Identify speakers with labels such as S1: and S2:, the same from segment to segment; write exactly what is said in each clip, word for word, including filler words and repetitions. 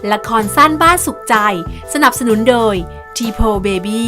S1: ละครสั้นบ้านสุขใจสนับสนุนโดย ที โพ Baby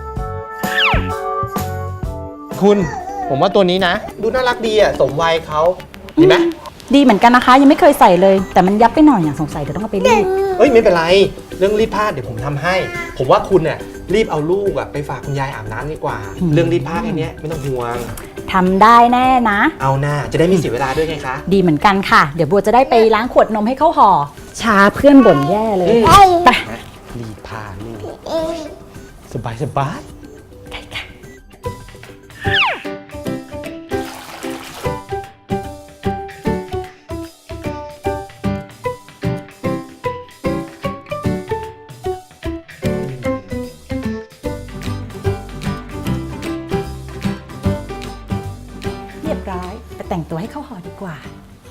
S2: คุณผมว่าตัวนี้นะดูน่ารักดีอ่ะสมวัยเขาดีไหม
S3: ดีเหมือนกันนะคะยังไม่เคยใส่เลยแต่มันยับไปหน่อยอย่างสงสัยเดี๋ยวต้องเอาไปรีด
S2: เอ้ยไม่เป็นไรเรื่องรีดผ้าเดี๋ยวผมทำให้ ผมว่าคุณเนี่ยรีบเอาลูกอ่ะไปฝากคุณยายอาบน้ำดีกว่า เรื่องรีดผ้าแค่นี้ไม่ต้องห่วง
S3: ทำได้แน่นะ
S2: เอาหน้าจะได้ไม่เสียเวลาด้วยไงคะ
S3: ดีเหมือนกันค่ะเดี๋ยวบัวจะได้ไปล้างขวดนมให้เขาห่อชาเพื่อนบ่นแย่เลยไป
S2: รีดผ้าลูกสบายสบาย
S3: เรียบร้อยไปแต่งตัวให้เขาห่อดีกว่า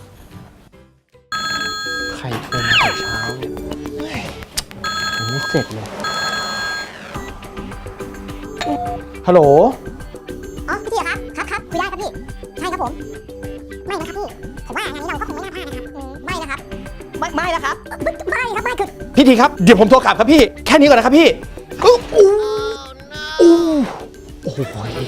S2: ใครโทรมาแต่เช้าเนี่ยยังไม่เสร็จเลยฮัลโหล
S4: อ๋อพี่ทีครับครับครับคุยได้ครับพี่ใช่ครับผมไม่นะครับพี่ผมว่างานนี้เราก็คงไม่น่าพลาดนะครับไม่นะครับไม่ไม่นะครับไม่ครับไม่คือ
S2: พี่ทีครับเดี๋ยวผมโทรกลับครับพี่แค่นี้ก่อนนะครับพี่อู้อู้อู้โอ้โห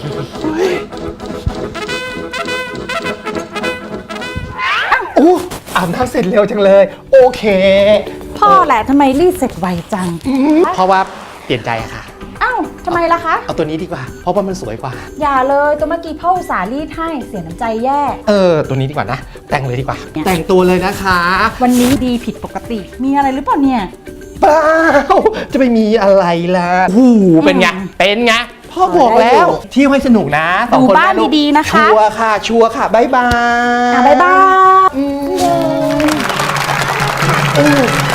S2: อู้อาบน้ำเสร็จเร็วจังเลยโอเค
S3: พ่อแหละทำไมรีดเสร็จไวจัง
S2: เพราะว่าเปลี่ยนใจอะค่ะ
S3: อ้าวทำไมล่ะคะ
S2: เอาตัวนี้ดีกว่าเพราะว่ามันสวยกว่า
S3: อย่าเลยตัวเมื่อกี้พ่ออุตส่าห์รีดให้เสียน้ำใจแย่
S2: เออตัวนี้ดีกว่านะแต่งเลยดีกว่าแต่งตัวเลยนะคะ
S3: วันนี้ดีผิดปกติมีอะไรหรือเปล่าเนี่ย
S2: เปล่าจะไปมีอะไรล่ะโอ้โหเป็นไงเป็นไงพ่อบอกแล้วเที่ยวให้สนุกนะ
S3: สองคนบ้านดีๆนะคะ
S2: ชัวร์ค่ะชัวร์ค่ะบ๊ายบาย
S3: บ๊ายบาย